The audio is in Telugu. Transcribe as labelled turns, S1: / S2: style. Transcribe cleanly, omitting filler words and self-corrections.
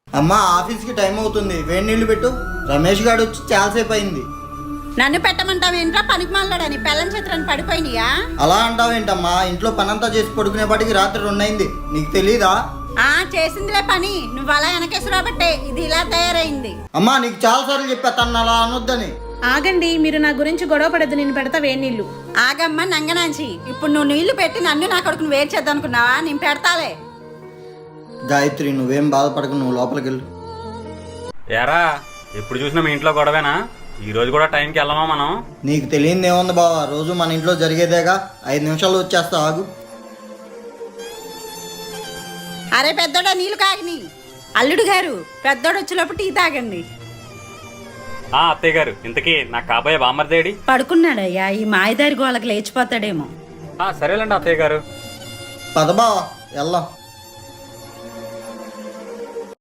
S1: అమ్మా ఆఫీస్కి టైం అవుతుంది, వేడి నీళ్లు పెట్టు. రమేష్ గారు వచ్చి చాలాసేపు అయింది.
S2: నన్ను పెట్టమంటావేంట్రా? పనికి మాలాడని పెళ్ళం చిత్రాన్ని పడిపోయినాయా?
S1: అలా అంటావేంటమ్మా? ఇంట్లో పనంతా చేసి పడుకునేపాటికి రాత్రి 2 అయింది, నీకు తెలీదా?
S2: చేసిందిలే పని, నువ్వు అలా వెనకేసి రాబట్టే ఇది ఇలా తయారైంది.
S1: అమ్మా నీకు చాలా సార్లు చెప్పా తను అలా అనొద్దని.
S3: ఆగండి, మీరు నా గురించి గొడవ పడద్దు, నేను పెడతా వేడి నీళ్ళు.
S2: ఆగమ్మ నంగనాంచి, ఇప్పుడు నువ్వు నీళ్లు పెట్టి నన్ను నా కొడుకును వేరు చేద్దామనుకున్నావా? నేను పెడతాలే.
S1: గాయత్రి నువ్వేం బాధపడకు, నువ్వు లోపలికి వెళ్ళు.
S4: ఏరా ఎప్పుడు చూసినా మీ ఇంట్లో గొడవేనా? ఈ రోజు కూడా టైంకి వెళ్ళమా మనం?
S1: నీకు తెలియదు ఏముంది బావా, రోజు మన ఇంట్లో జరిగేదేగా. 5 నిమిషాలు వచ్చేస్తా, ఆగు.
S2: అరే పెద్దోడా నీళ్లు కాగని. అల్లుడు గారు పెద్దోడు వచ్చేటప్పుడు టీ తాగండి.
S4: అత్తయ్య గారు, ఇంతకీ నాకు కాబోయే బామ్మర్దేడి?
S2: పడుకున్నాడయ్యా, ఈ మాయదారి గోళకు లేచిపోతాడేమో.
S4: సరేలేండి అత్తయ్య గారు.
S1: పద బావా వెళ్దాం.